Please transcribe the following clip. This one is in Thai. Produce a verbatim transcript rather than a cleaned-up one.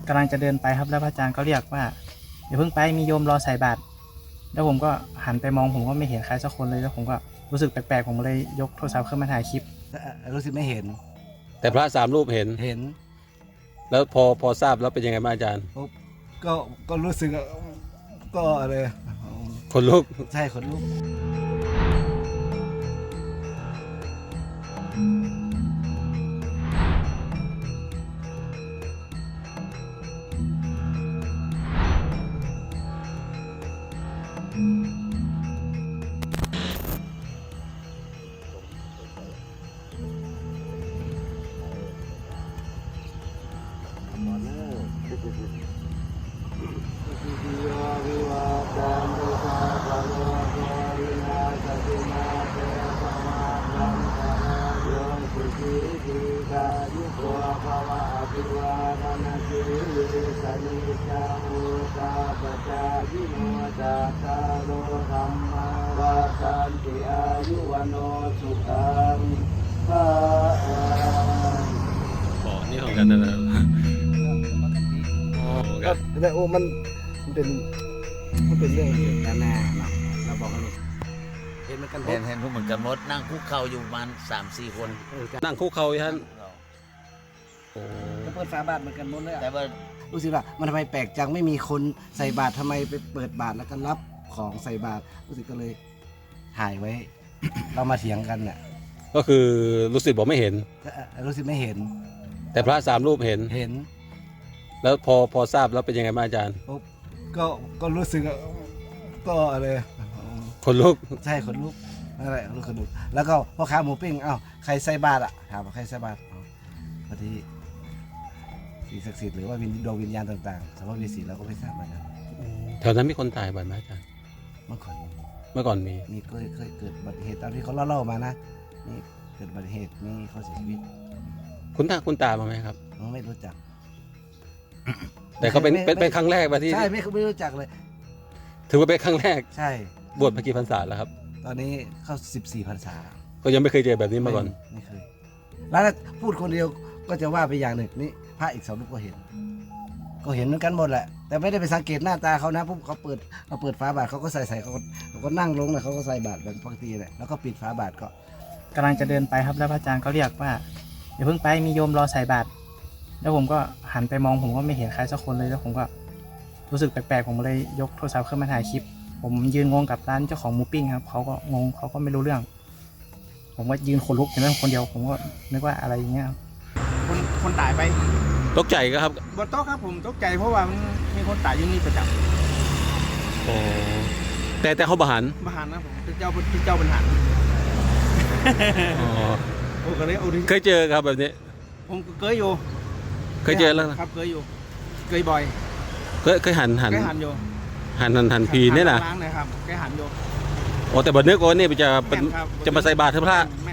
กำลังจะเดินไปครับแล้วพระอาจารย์ก็เรียกว่าอย่าเพิ่งไปมีโยมรอใส่บาตรแล้วผมก็หันไปมองผมก็ไม่เห็นใครสักคนเลยแล้วผมก็รู้สึกแปลกๆผมเลยยกโทรศัพท์ขึ้นมาถ่ายคลิปรู้สึกไม่เห็นแต่พระสามรูปเห็นเห็นแล้วพอพอทราบแล้วเป็นยังไงบ้างอาจารย์ก็ก็รู้สึกก็อะไรคนลุกใช่คนลุกนี่ของกันนะแต่โอ้มันมันเป็นมันเป็นเรื่องที่ด้านหน้าเราบอกกันเห็นมันกันเห็นเห็นพวกเหมือนกันมดนั่งคุกเข่าอยู่ประมาณสามสี่คนนั่งคุกเข่าท่านโอ้เปิดฝาบาทเหมือนกันหมดเลยแต่ว่ารู้สึกว่ามันทำไมแปลกจังไม่มีคนใส่บาตรทำไมไปเปิดบาตรแล้วก็รับของใส่บาตรรู้สึกก็เลยถ่ายไว้ เรามาเถียงกันเนี่ยก็คือรู้สึกบอกไม่เห็นรู้สึกไม่เห็นแต่พระสามรูปเห็นเห็นแล้วพอพอทราบแล้วเป็นยังไงบ้างอาจารย์ก็ก็รู้สึกก็อะไรคนลุกใช่คนลุกอะไรรู้คนลุกแล้วก็พ่อค้าหมูปิ้งอ้าวใครใส่บาตรอ่ะถามว่าใครใส่บาตรพอดีสิ่งศักดิ์สิทธิ์หรือว่าวิญดวงวิญญาณต่างๆสมมติวิสีเราก็ไม่ทราบเหมือนกันแถวนั้นมีคนตายบ่อยไหมอาจารย์เมื่อก่อนเมื่อก่อนมีมีเคยเคยเกิดอุบัติเหตุตามที่เขาเล่าๆมานะนี่เกิดอุบัติเหตุมีเขาเสียชีวิตคุณตาคุณตามาไหมครับไม่รู้จักแต่ก็เป็นเป็นครั้งแรกมาที่ใช่ไม่ไม่รู้จักเลยถือว่าเป็นครั้งแรกใช่บวชมากี่พรรษาแล้วครับตอนนี้เข้าสิบสี่พรรษาก็ยังไม่เคยเจอแบบนี้มาก่อนไม่เคยแล้วพูดคนเดียวก็จะว่าไปอย่างหนึ่งนี่พระอีกสองรูปก็เห็นก็เห็นเหมือนกันหมดแหละแต่ไม่ได้ไปสังเกตหน้าตาเขานะปุ๊บเขาเปิดเขาเปิดฝาบาทเขาก็ใส่ใส่เขาเขาก็นั่งลงเลยเขาก็ใส่บาทแบบปกติแหละแล้วก็ปิดฝาบาทก็กำลังจะเดินไปครับแล้วพระอาจารย์ก็เรียกว่าอย่าเพิ่งไปมีโยมรอใส่บาตรแล้วผมก็หันไปมองผมก็ไม่เห็นใครสักคนเลยแล้วผมก็รู้สึกแปลกๆผมเลยยกโทรศัพท์ขึ้นมาถ่ายคลิปผมยืนงงกับร้านเจ้าของหมูปิ้งครับเขาก็งงเขาก็ไม่รู้เรื่องผมก็ยืนขนลุกอยู่นั่นคนเดียวผมก็นึกว่าอะไรอย่างเงี้ยคนคนตายไปตกใจก็ครับบนโต๊ะครับผมตกใจเพราะว่ามันมีคนตายอยู่นี่ประจำโอ้แต่แต่เขาบาหันบาหันนะผมเป็นเจ้าเป็นเจ้าบรรหารอ๋อผมก็เลยเอาดิเคยเจอครับแบบนี้ผมเคยอยู่เคยเจอแล้วครับเคยอยู่เคยบ่อยเคยเคยหันหันเคยหันอยู่หันหันหันพีนี่แหละล้างเลยครับเคยหันอยู่โอ้แต่บัดเนื้อก้อนนี่จะจะมาใส่บาตรพระ